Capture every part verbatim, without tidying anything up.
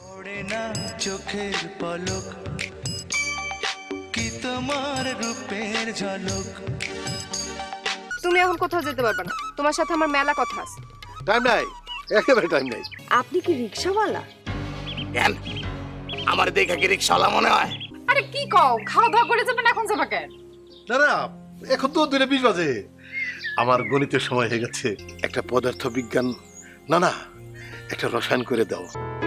পড়ে না চোখের পলক কি তোমার রূপের ঝলক। তুমি এখন কোথাও যেতে পারবে না, তোমার সাথে আমার মেলা কথা আছে। টাইম নাই, একেবারে টাইম নাই। আপনি কি রিকশাওয়ালা? কেন আমার দেখে কি রিক্সাওয়ালা মনে হয়? আরে কি কও, খাওয়া দাওয়া করে যাবেন, এখন যাবা কেন? না না, এখন তো দুইটা বিশ বাজে। আমার গণিতের সময় হয়ে গেছে। একটা পদার্থ বিজ্ঞান, না না একটা রসায়ন করে দাও।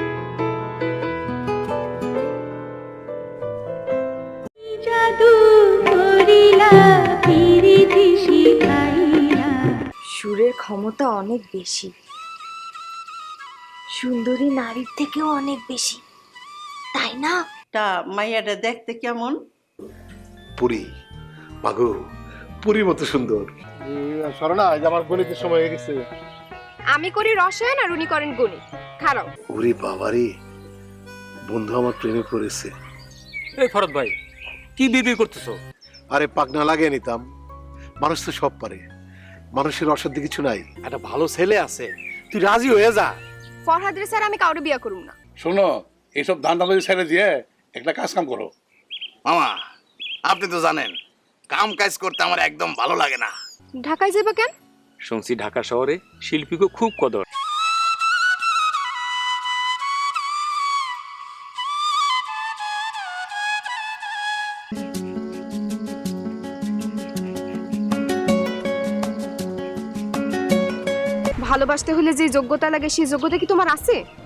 সুরের ক্ষমতা অনেক বেশি, সুন্দরী নারীর থেকেও অনেক বেশি, তাই না? তা মাইয়াটা দেখতে কেমন? পুরি মাগো, পুরীর মতো সুন্দর। শরণা, আমার গণিতের সময় হয়ে গেছে। আমি করি রসায়ন আর উনি করেন গণিত। খারাপ। ওরে বাবারে, বন্ধু আমার প্রেমে পড়েছে। এই ফরদ ভাই, কি বিবি করতেছো? আরে পাগনা লাগিয়ে নিতাম, মানুষ তো সব পারে, মানুষের অসাধ্য কিছু নাই। একটা ভালো ছেলে আছে, তুই রাজি হয়ে যা। ফরহাদের স্যার আমি কাউরে বিয়া করুম না। শোনো, এইসব ধান্দা লই ছেড়ে দিয়ে একটা কাজ কাম করো। মামা আপনি তো জানেন কাম কাজ করতে আমার একদম ভালো লাগে না। ঢাকায় যাবা কেন? শুনছি ঢাকা শহরে শিল্পীকে খুব কদর। ভালোবাসতে হলে যে যোগ্যতা লাগে সেই যোগ্যতা কি তোমার আছে?